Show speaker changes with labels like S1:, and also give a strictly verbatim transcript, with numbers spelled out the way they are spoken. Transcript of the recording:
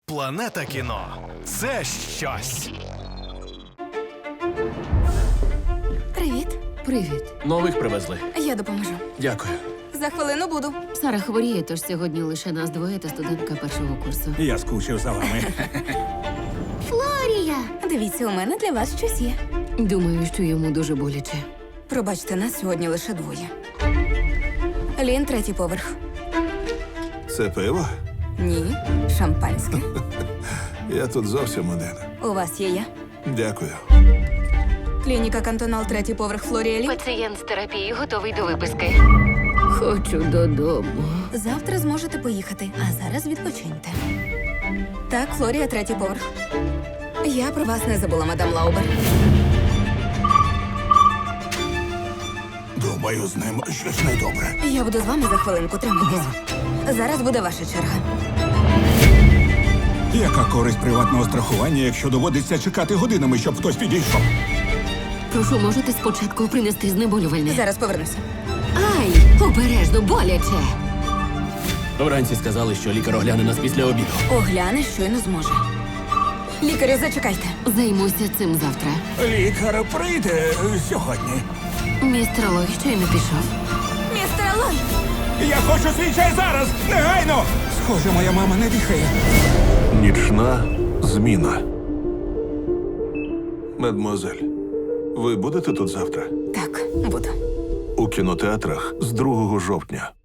S1: Планета кіно – це щось.
S2: Привіт.
S3: Привіт.
S4: Нових привезли.
S2: Я допоможу.
S4: Дякую.
S2: За хвилину буду.
S3: Сара хворіє, тож сьогодні лише нас двоє та студентка першого курсу.
S5: Я скучив за вами.
S2: Флорія! Дивіться, у мене для вас щось є.
S3: Думаю, що йому дуже боляче.
S2: Пробачте, нас сьогодні лише двоє. Лін, третій поверх.
S6: Це пиво?
S2: Ні, шампанське.
S6: Я тут зовсім один.
S2: У вас є я.
S6: Дякую.
S2: Клініка Кантонал, третій поверх, Флорія Лі.
S3: Пацієнт з терапії готовий до виписки. Хочу додому.
S2: Завтра зможете поїхати, а зараз відпочиньте. Так, Флорія, третій поверх. Я про вас не забула, мадам Лаубер.
S6: Думаю, з ним щось недобре.
S2: Я буду з вами за хвилинку, тримайтеся. Зараз буде ваша черга.
S5: Яка користь приватного страхування, якщо доводиться чекати годинами, щоб хтось підійшов?
S3: Прошу, можете спочатку принести знеболювальне?
S2: Зараз повернуся.
S3: Ай, обережно, боляче.
S4: Вранці сказали, що лікар огляне нас після обіду.
S2: Огляне, щойно зможе. Лікарю, зачекайте.
S3: Займуся цим завтра.
S5: Лікар прийде сьогодні.
S3: Містер Лой щойно пішов.
S2: Містер Лой!
S5: Я хочу свій чай зараз! Негайно! Схоже, моя мама не дихає.
S6: Нічна зміна. Мадмуазель, ви будете тут завтра?
S2: Так, буду.
S6: У кінотеатрах з другого жовтня.